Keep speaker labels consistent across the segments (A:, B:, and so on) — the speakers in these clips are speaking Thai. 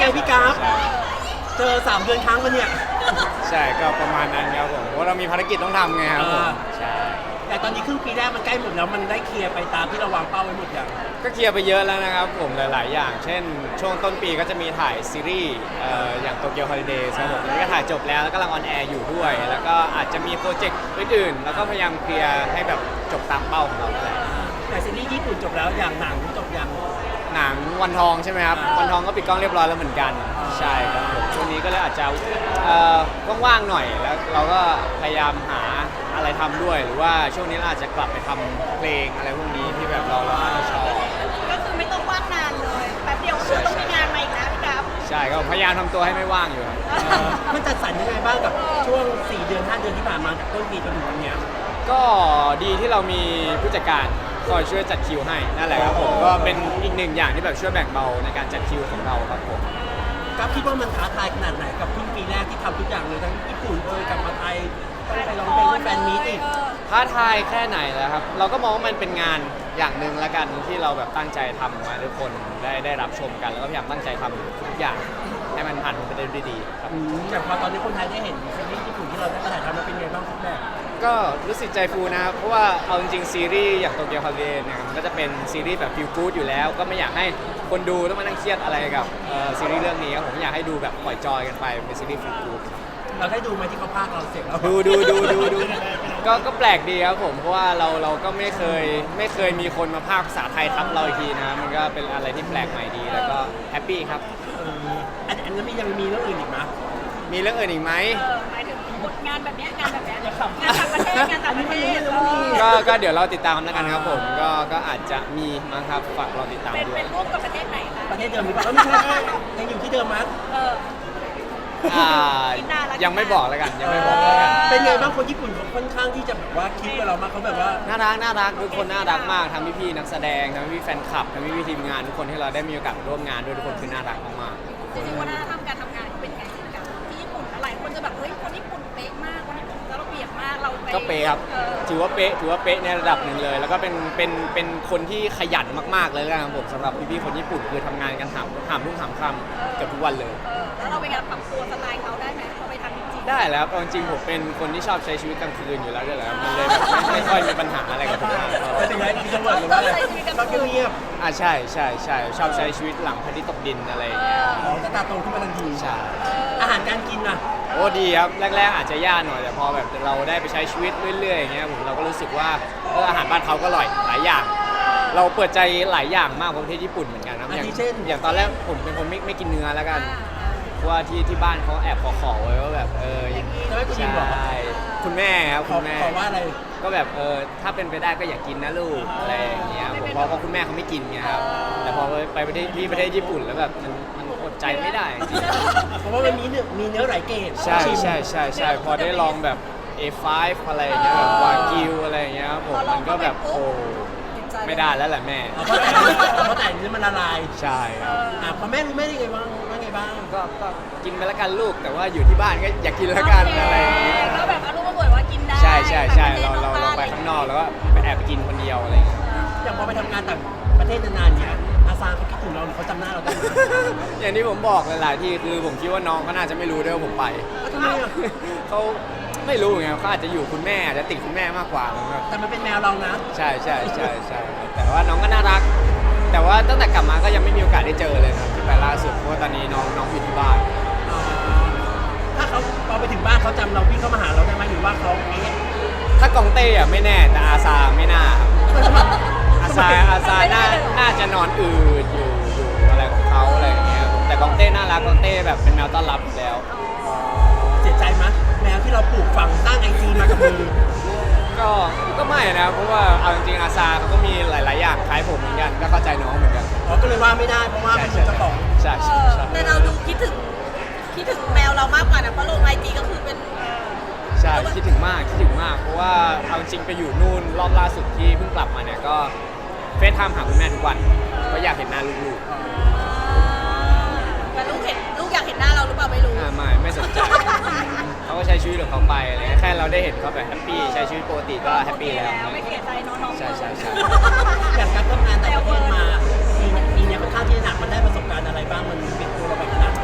A: พี่กราฟเจอ3 เดือนครั้งวันเนี่ย
B: ใช่ก็ประมาณนั้นครับผมเพราะเรามีภารกิจต้องทำไงครับผมใช่
A: แต่ตอนนี้ครึ่งปีแรกมันใกล้หมดแล้วมันได้เคลียร์ไปตามที่เราวางเป้าไว้หมดอย่าง
B: ก็เคลียร์ไปเยอะแล้วนะครับผมหลาย ๆ อย่าง เช่นช่วงต้นปีก็จะมีถ่ายซีรีส์อย่างโตเกียวฮอลิเดย์ครับผมตอนนี้ก็ถ่ายจบแล้วแล้วก็กำลังออนแอร์อยู่ด้วย แล้วก็อาจจะมีโปรเจกต์อื่น ๆ แล้วก็พยายามเคลียร์ให้แบบจบตามเป้าของเรานั่นแหละ
A: แต่ซีรีส์ญี่ปุ่นจบแล้วอย่างหนังจบยัง
B: หนังวันทองใช่ไหมครับวันทองก็ปิดกล้องเรียบร้อยแล้วเหมือนกันใช่ครับผมช่วงนี้ก็เลยอาจจะว่าง ๆ หน่อยแล้วเราก็พยายามหาอะไรทำด้วย หรือว่าช่วงนี้เราอาจจะกลับไปทำเพลงอะไรพวกนี้ที่แบบเราน่าจะชอบ
C: ก็คือไม่ต้องว่างนานเลยแป๊บเดียวก็คือต้องมีงานมาอีกแล้วพี่กราฟ
B: ใช่ก็พยายามทำตัวให้ไม่ว่างอยู่ครับ
A: มันจัดสรรยังไงบ้างกับช่วง4 เดือน 5 เดือนที่ผ่านมาจากต้นปีจนถึงวันเนี้ย
B: ก็ดีที่เรามีผู้จัดการคอยช่วยจัดคิวให้นั่นแหละครับผมก็เป็นอีกหนึ่งอย่างที่แบบช่วยแบ่งเบาในการจัดคิวของเราครับผม
A: กราฟคิดว่ามันท้าทายขนาดไหนกับครึ่งปีแรกที่ทำทุกอย่างเลยทั้งญี่ปุ่นกลับมาไทยต้องไปร้องเพลงที่แฟนมีตอีก
B: ท้าทายแค่ไหนแล้วครับเราก็มองว่ามันเป็นงานอย่างหนึ่งละกันที่เราแบบตั้งใจทำมาทุกคนได้รับชมกันแล้วก็พยายามตั้งใจทำทุกอย่างให้มันผ่านไปได้ด้วยดีครับ
A: อย่างพอตอนนี้คนไทยได้เห็นซีรีส์ญี่ปุ่นที่เราได้ถ่ายทำมาเป็นไงบ้างฟีดแบ็ก
B: ก็รู้สึกใจฟูนะครับเพราะว่าเอาจริงๆซีรีส์อย่างโตเกียวฮอลิเดย์เนี่ยมันก็จะเป็นซีรีส์แบบฟีลกู๊ดอยู่แล้ว ก็ไม่อยากให้คนดูต้องมานั่งเครียดอะไรกับซีรีส์เรื่องนี้ครับผมอยากให้ดูแบบปล่อยจอยกันไปเป็นซีรีส์ฟีลกู๊ด
A: เราได้ดูไหมที่เขาพากย์เราเสร็จแล้ว
B: ดูก็แปลกดีครับผมเพราะว่าเราก็ไม่เคยมีคนมาพากย์ภาษาไทยทับเราอีกทีนะมันก็เป็นอะไรที่แปลกใหม่ดีแล้วก็แฮปปี้ครับ
A: อันนี้ยังมีเรื่องอื่นอีกไหม
B: มีเรื่องอื่นอีกไหม
C: หมายถึงงานแบบเนี้ยงานแบบเนี้ยงานต่างประเทศงานต่างประเทศ
B: ก็เดี๋ยวเราติดตามแล้วกันครับผมก็อาจจะมีมั้งครับฝากเราติดตาม
C: เป็น
B: ด้ว
C: เป็
B: ย
C: นร่วมกับประเทศไหนคะ
A: ประเทศเดิมหรือเปล่าไม่ใช่ยังอยู่ที่เดิมมั้ย
C: เออ
B: อ่ายังไม่บอกแล้วกันยังไม่บอกแล้วกัน
A: เป็นไงบ้างคนญี่ปุ่นเขาค่อนข้างที่จะแบบว่าคิดกับเรามากเขาแบบว่า
B: น่ารักทุกคนน่ารักมากทั้งพี่ๆนักแสดงทั้งพี่ๆแฟนคลับทั้งพี่ๆทีมงานทุกคนที่เราได้มีโอกาสร่วมงานด้วยทุกคนคือน่ารักมาก
C: จริงๆวัฒนธรรมการทำงานเขาเป็นไงกับที่ญี่ปุ่นหลายคนจะแบบเฮ้ยคนญี่ปุ่นเป๊ะมากคนญี่ปุ่นจะระเบียบมากเรา
B: ๆก็เป๊ะครับถือว่าเป๊ะในระดับหนึ่งเลย แล้วก็เป็นคนที่ขยันมากๆเลยนะครับผมสำหรับพี่ๆคนญี่ปุ่นคือทำงานกันหามรุ่งหามค่ำเกือบทุกวันเลย
C: แล้วเราเป็นการปรับตัวสไตล์เขาได้ไหมพอไปทำจริงๆ
B: ได้แล้วเอาจริงๆผมเป็นคนที่ชอบใช้ชีวิตกลางคืนอยู่แล้วด้วยแหละมันเลยแบบไม่ค่อยมีปัญหาอะไรกับผมมาก
A: แต่ถึงแม้ที่จะเวิร์ดหรือว่าอะไรเราเงียบ
B: ใช่ชอบใช้ชีวิตหลังพระอาทิตย์ตกดินอะไรอย่างเงี้ย
A: ๆอ๋อจะตาโตขึ้นมาทันที
B: ใช่
A: อาหารการกินน่ะ
B: โอ้ดีครับแรกๆอาจจะยากหน่อยแต่พอแบบเราได้ไปใช้ชีวิตเรื่อยๆอย่างเงี้ยผมเราก็รู้สึกว่าอาหารบ้านเขาก็อร่อยหลายอย่าง เราเปิดใจหลายอย่างมากกว่าประเทศญี่ปุ่นเหมือนกันนะอย่างตอนแรกผมเป็นคนไม่กินเนื้อแล้วกันเพราะว่าที่บ้านเขาแอบขอไว้ว่าแบบ
A: จะไม่กูยินบอก
B: ใช่คุณแม่ครับ
A: ขอ
B: คุณแม่
A: ขอว่าอะไร
B: ก็แบบถ้าเป็นไปได้ก็อย่ากินนะลูกอะไรอย่างเงี้ยผมเพราะคุณแม่เขาไม่กินไงครับแต่พอไปประเทศญี่ปุ่นแล้วแบบมันอดใจไม่ได้จริง
A: เพราะว่ามันมีเนื้อหลายเกรด
B: ใช่พอได้ลองแบบ A5 อะไรอย่างเงี้ยแบบวากิวอะไรอย่างเงี้ยครับผมมันก็แบบโอ้ไม่ได้แล้วแหละแม่
A: เพราะแต่เนื้อมันละลาย
B: ใช่ครับ
A: พอแม่รู้แม่ยังไงบ้างว่าไงบ้าง
B: ก็กินไปแล้วกันลูกแต่ว่าอยู่ที่บ้านก็อย่ากินแล้วกันอะไรอย่างเงี้ย
C: ก็แบบอารมณ์มาบ่นว่ากินได้
B: ใช่เราไปข้างนอกแล้วก็ไปแอบไปกินคนเดียวอะไรอย่างเงี้ย
A: อย่างพอไปทำงานต่างประเทศนานๆเนี่ยอาซาเขาคิดถึงเราหรือเขาจำหน้าเราได้ไหม
B: อย่างที่ผมบอกหลายๆที่คือผมคิดว่าน้องก็น่าจะไม่รู้ด้วยว่าผมไป
A: ทำไมอ่ะ
B: เขาไม่รู้ไงเขาอาจจะอยู่คุณแม่อาจจะติดคุณแม่มากกว่านะครับ
A: แต่มันเป็นแมวเรานะ
B: ใช่แต่ว่าน้องก็น่ารัก แต่ว่าตั้งแต่กลับมาก็ยังไม่มีโอกาสได้เจอเลยครับที่ไปล่าสุดเพราะว่าตอนนี้น้องอยู่ที่บ้าน
A: ถ้าเขาพอไปถึงบ้านเขาจำเราวิ่งเข้ามาหาเราได้ไหมหรือว่าเขา
B: ถ้ากองเต้อะไม่แน่แต่อาซาไม่น่าครับอาซาน่าจะนอนอืดอยู่อะไรของเขาอะไรอย่างเงี้ยแต่กองเต้น่ารักกองเต้แบบเป็นแมวต้อนรับอยู่แล้ว
A: เสียใจไหมแมวที่เราปลูกฝังสร้างไอจีมากับมือ
B: ก็ไม่นะเพราะว่าเอาจริงๆอาซาเขาก็มีหลายๆอย่างคล้ายผมเหมือนกันก็เข้าใจน้องเหมือนกัน
A: ก็เลยว่าไม่ได้เพราะว่าเป็นเจ้าของ
B: ใช่
C: แต่เราดูคิดถึงแมวเรามากกว่านะเพราะลงไอจีก็คือเป็น
B: ใช่คิดถึงมากเพราะว่าเอาจริงไปอยู่นู่นรอบล่าสุดที่เพิ่งกลับมาเนี่ยก็เฟซไทม์หาคุณแม่ทุกวันเพราะอยากเห็นหน้าลูก
C: แต่ลูกอยากเห็นหน้าเราหรือเปล่าไม่รู้
B: ไม่สนใจเขาก็ใช้ชีวิตของเขาไปอะไรเลยแค่เราได้เห็นเขาแบบแฮปปี้ใช้ชีวิตปกติก็แฮปปี้แล้ว
C: ไม่เสียใจน้องๆ
B: ใช่
A: อย่างการทำงานต่างประเทศมาปีนี้ค่อนข้างที่จะหนักมันได้ประสบการณ์อะไรบ้างมันเป็นตัวเราไปขนาดไหน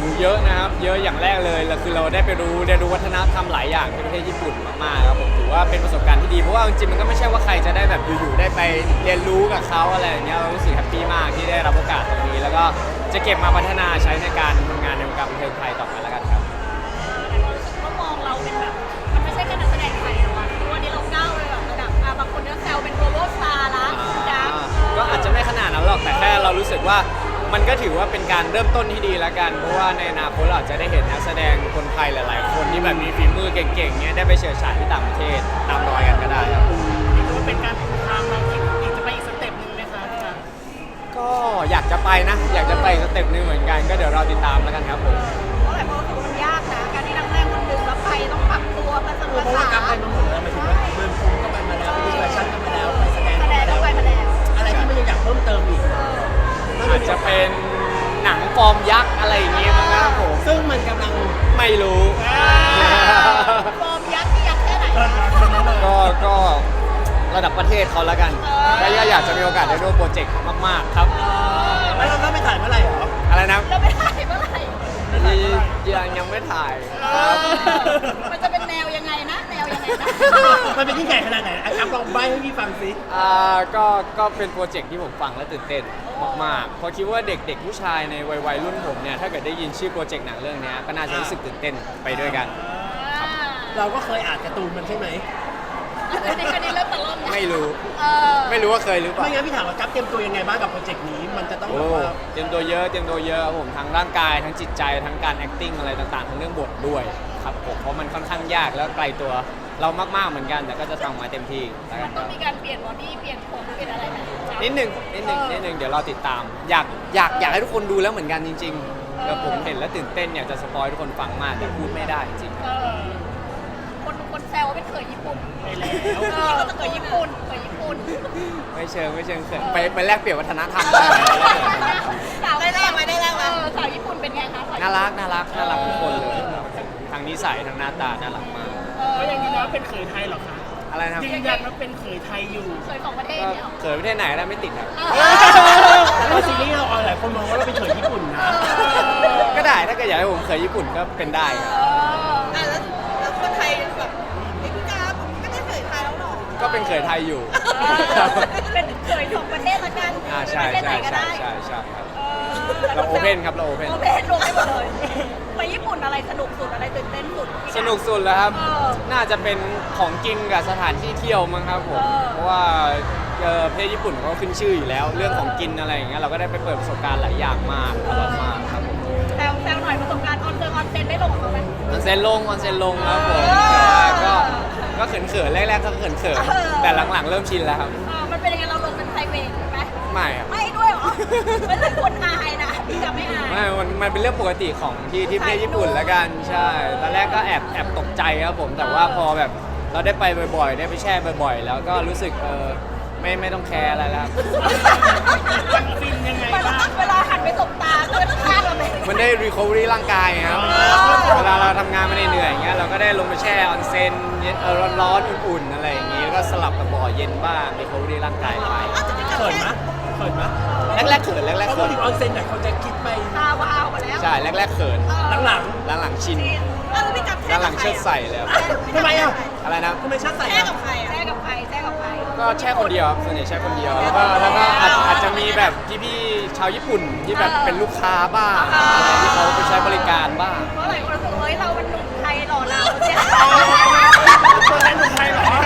B: เยอะนะครับเยอะอย่างแรกเลยคือเราได้ไปเรียนรู้วัฒนธรรมหลายอย่างที่ประเทศญี่ปุ่นมากๆครับผมถือว่าเป็นประสบการณ์ที่ดีเพราะว่าจริงๆมันก็ไม่ใช่ว่าใครจะได้แบบอยู่ๆได้ไปเรียนรู้กับเขาอะไรอย่างเงี้ยเรารู้สึกแฮปปี้มากที่ได้รับโอกาสตรงนี้แล้วก็จะเก็บมาพัฒนาใช้ในการทำงานในวงการบันเทิงไทยต่อไปแล้วกันครับ
C: แต่เรารู้สึกว่ามองเราเป็นแบบมันไม่ใช่แค่นักแสดงไทยแล้วอะทุกวันนี้เราก้าวเลยแบบระดับบางคนก็แซวเป็น global star ละดัง
B: ก็อาจจะไม่ขนาดนั้นหรอกแต่แค่เรารู้สึกว่ามันก็ถือว่าเป็นการเริ่มต้นที่ดีแล้วกันเพราะว่าในอนาคตเราอาจจะได้เห็นนักแสดงคนไทยหลายๆคนที่แบบมีฝีมือเก่งๆเนี้ยได้ไปเฉิดฉายที่ต่างประเทศตามรอยกันก็ได้ครับ
D: นี่ถือว่าเป็นการปูทางเราอีกจะไปอีกสเต็ปหนึ่งไหมคะพี่การ
B: ก็อยากจะไปนะอยากจะไปสเต็ปหนึงเหมือนกันก็เดี๋ยวเราติดตามแล้วกันครับผม
C: เพราะหลายคนรู้สึกว่ามันยากนะการที่นักแสดงคนหนึ่งแล้วไปต้องปรับตัวภาษา
A: เพราะว่ากลับไปมาหมดแล้วหมายถึงว่าเมืองกรุงก็ไปมาแล้วไปดูแฟชั่นก็มาแล้วไปแสดง
C: แสดงก็ไปมาแล้ว
A: อะไรที่มันยังอยากเพิ่มเติมอีก
B: อาจจะเป็นหนังฟอร์มยักษ์อะไรอย่างเงี้ยมั้งครับผม
A: ซึ่งมันกำลัง
B: ไม่รู้
C: ฟอร์มยักษ์ที่ยักษ์แค่ไหน
B: ก็ระดับประเทศเขาแล้วกันก็อยากจะมีโอกาสได้ร่วมโปรเจกต์มากๆครับ
A: แล้วเราไปถ่ายเมื่อไหร่หรอ
B: อะไรนะ
C: เราไม่ได้เมื่อไหร่
B: ยังไม่ถ่ายครับ
C: มันจะเป็นแนวยังไงนะแนวยังไงนะ
A: มันเป็นยิ่งใหญ่ขนาดไหนอัพลองใบให้พี่ฟังสิ
B: ก็เป็นโปรเจกต์ที่ผมฟังและตื่นเต้นมากๆเพราะคิดว่าเด็กๆผู้ชายในวัยรุ่นผมเนี่ยถ้าเกิดได้ยินชื่อโปรเจกต์หนังเรื่องนี้ก็น่าจะรู้สึกตื่นเต้นไปด้วยกัน
A: เราก็เคยอ่านการ์ตูนมันใช่ไหม
C: อันนี้เริ่มตะล่อมนะ
B: ไม่รู้
C: เออ
B: ไม่รู้ว่าเคยหรือเปล่า
A: ไม่งั้นพี่ถามว่ากัปเตรียมตัวยังไงบ้างกับโปรเจกต์นี้มันจะต้องแบ
B: โอ้
A: บว่า
B: เตรียมตัวเยอะครับผมทั้งร่างกายทั้งจิตใจทั้งการ acting อะไรต่างๆทั้งเรื่องบทด้วยครับผมเพราะมันค่อนข้างยากแล้วไกลตัวเรามากๆเหมือนกันแต่ก็จะทำมาเต็มที่แล้วกั
C: มัน นต้องมีการเปลี่ยนบอดี้เปลี่ยนผมเปลี่ยนอะไรไหม
B: นิดหนึ่งเดี๋ยวรอติดตาม อยากให้ทุกคนดูแล้วเหมือนกันจริงๆแล้วผมเห็นแล้วตื่นเต้นอยากจะสปอยทุกคนฟังมากแต่พูดไม่ได้จริง
C: คนแซวว่าเป็นเขยญี่ปุ่น
A: ไปแล้ว
C: ก็จะเขยญี่ปุ่นเขยญี่ปุ่น
B: ไม่เชิงเขินไปแลกเปลี่ยนวัฒนธรรมได้
C: สาวได้แรกไหมสาวญี่ปุ่นเป็นไงคะ
B: น่ารักทุกคนเลยทางนิสัยทางหน้าตาน่ารักมาก
D: ก็ยังยืนยันว่าเป็นเขยไทยเหรอคะ
B: อะไรนะครับ
D: ยืนยันว่าเป็นเขยไทยอยู่
C: เขยของประเทศ
B: ก็
C: เนี่ย
B: เขินประเทศไหนก็ได้ไม่ติดครับ
A: แล้วซีรีส์เราออนหลายคนมองว่าเราเป็นเขยญี่ปุ่นนะ
B: ก็ได้ถ้าเกิดอยากให้ผมเคยญี่ปุ่นก็เป็นได้ครับ
C: แล้วคนไทยแบบพี่กาไม่ได้เขยไทยแล้วหรอ
B: ก็เป็นเขยไทยอยู่
C: เป็นเขยของประเทศละกัน
B: ใช่
C: ประเทศไหนก็ได้
B: ครับเราโอเพนครับเราโอเพน
C: โอเพนลงให้หมดเลยไปญี่ปุ่นอะไรสนุกสุดอะไรตื่นเต้นสุด
B: สนุกสุดแล้วครับ
C: เออ
B: น่าจะเป็นของกินกับสถานที่เที่ยวมั้งครับผม
C: เออ
B: เพราะว่าประเทศญี่ปุ่นเขาขึ้นชื่ออยู่แล้ว เรื่องของกินอะไรอย่างเงี้ยเราก็ได้ไปเปิดประสบการณ์หลายอย่างมากอร่อยมากครับผม
C: แซวหน่อยประสบการณ์ออนเซ็นได้ลงกับเขาไหม
B: ออนเซ็นลงครับผม
C: เออ
B: แต่ว่าก็เขินแรกๆก็เขิน
C: เออ
B: แต่หลังๆเริ่มชินแล้วครับ
C: มันเป็นยังไงเราลงเป็นไพรเวทไหม
B: ไม่ครับ
C: ไม่ด้วยเหรอไม่ใช่คนอายนะพี่จะไม่อาย
B: ไม่มันเป็นเรื่องปกติของที่ประเทศญี่ปุ่นแล้วกันใช่ตอนแรกก็แอบตกใจครับผมแต่ว่าพอแบบเราได้ไปบ่อยๆ ได้ไปแช่บ่อยๆ แล้วก็รู้สึกไม่ต้องแคร์อะไรแล้ว
D: มันฟินยังไงบ้าง
C: เวลาหันไปสบตาเพื่อนข้างเราเลย
B: มันได้รีคอเวอรี่ร่างกายครับเวลาเราทำงานมาเหนื่อยๆอย่างเงี้ยเราก็ได้ลงไปแช่ออนเซ็นร้อนๆอุ่นๆอะไรอย่างงี้แล้วก็สลับกับบ่อเย็นบ้างรีคอเวอรี่ร่างกายไป
A: เขินมะเขินมะ
B: แรกๆเขินแรกๆ
A: เพราะ
B: เขิ
A: พูด
B: น
A: ถึงออนเซ็นเนี่ยเขาจะคิดไป
C: ตาวาวมาแล้ว
B: ใช่แรกๆเขิน
A: หลัง
B: หลังๆชิน
C: แล้วพี่กับ
B: หลังๆเชิดใส่เลยครับ
A: ๆทำไมอ่ะ
B: อะไรนะ
A: ทำไมชาติใส่
C: แช่
A: อ่ะ
C: กับใครแช่กับใครแช่กับใคร
B: ก็แช่คนเดียวครับส่วนใหญ่แช่คนเดียวแล้วก็อาจจะมีแบบพี่ๆชาวญี่ปุ่นที่แบบเป็นลูกค้าบ้างอะไรที่เขาไปใช้บริการบ้าง
C: เพราะหลายคนรู้สึกว่าเฮ้ยเราเป็นหนุ่มไทยหล่อเราเนี่ย
D: ตัวแทนคนไทยเหรอ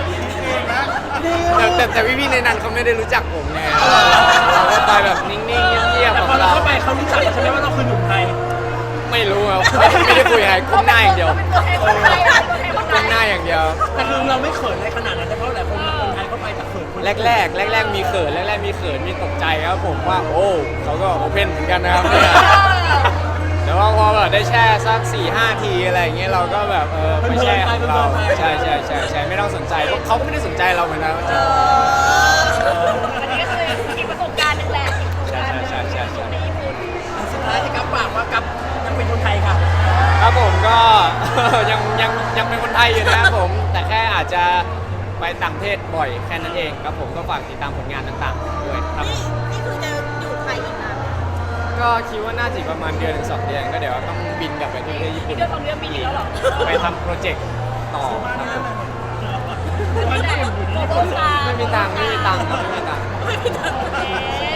B: แต่พี่ๆในนั้นเขาไม่ได้รู้จักผมไงเราก็ไปแบบนิ่งๆเงียบๆ
A: แต่
B: ข
A: พ
B: อ
A: องเรา
B: เรา
A: เข้าไปเขารู้จักใช่ไหมว่าเราคือหนุ่มไทย
B: ไม่รู้ครับไม่ได้คุยอะไรก้มหน้าอย่างเดียว
C: เป็นตัวแทนคนไทยตัวแทนคนไท
B: ก้ม
C: ย
B: หน้าอย่างเดียว
A: แต่คือเราไม่เขินอะไรขนาดนั้นแต่เพราะหลายคนคนไทยเข้าไปแต่เขินคน
B: แรกมีเขินมีตกใจครับผมว่าโอ้เขาก็โอเพนเหมือนกันนะครับเนี่ยแต่ว่าพอแบบได้แช่สัก 4-5 ทีอะไรอย่างเงี้ยเราก็แบบไปแช่ของเราใช่ไม่ต้องสนใจเพราะเขาก็ไม่ได้สนใจเราเหมือนกันจริง
C: อันนี้ก็คืออีกประสบการณ์หนึ่งแหละอยู่ในญี่ปุ่น
A: สุดท้ายให้กัปฝากว่ากัปยังเป็นคนไทยค่ะ
B: ครับผมก็ ยังเป็นคนไทยอยู่นะครับผมแต่แค่อาจจะไปต่างประเทศบ่อยแค่นั้นเองครับผมก็ฝากติดตามผลงานต่างๆด้วยครับ
C: นี่คือจะอยู่ไทยอีกนาน
B: กก็คิดว่าน่าจะอีกประมาณเดือนถึง2 เดือนก็เดี๋ยวต้องบินกลับไปที่ประเทศญี่ปุ่น
C: เดือนสองเดือนปีนี้แล้วเหรอ
B: ไปทำโปรเจกต์ต่อครับผม
C: โกโก้สตาร์
B: ไม่มีตังค์ครับไม่มีตังค์
C: โอเค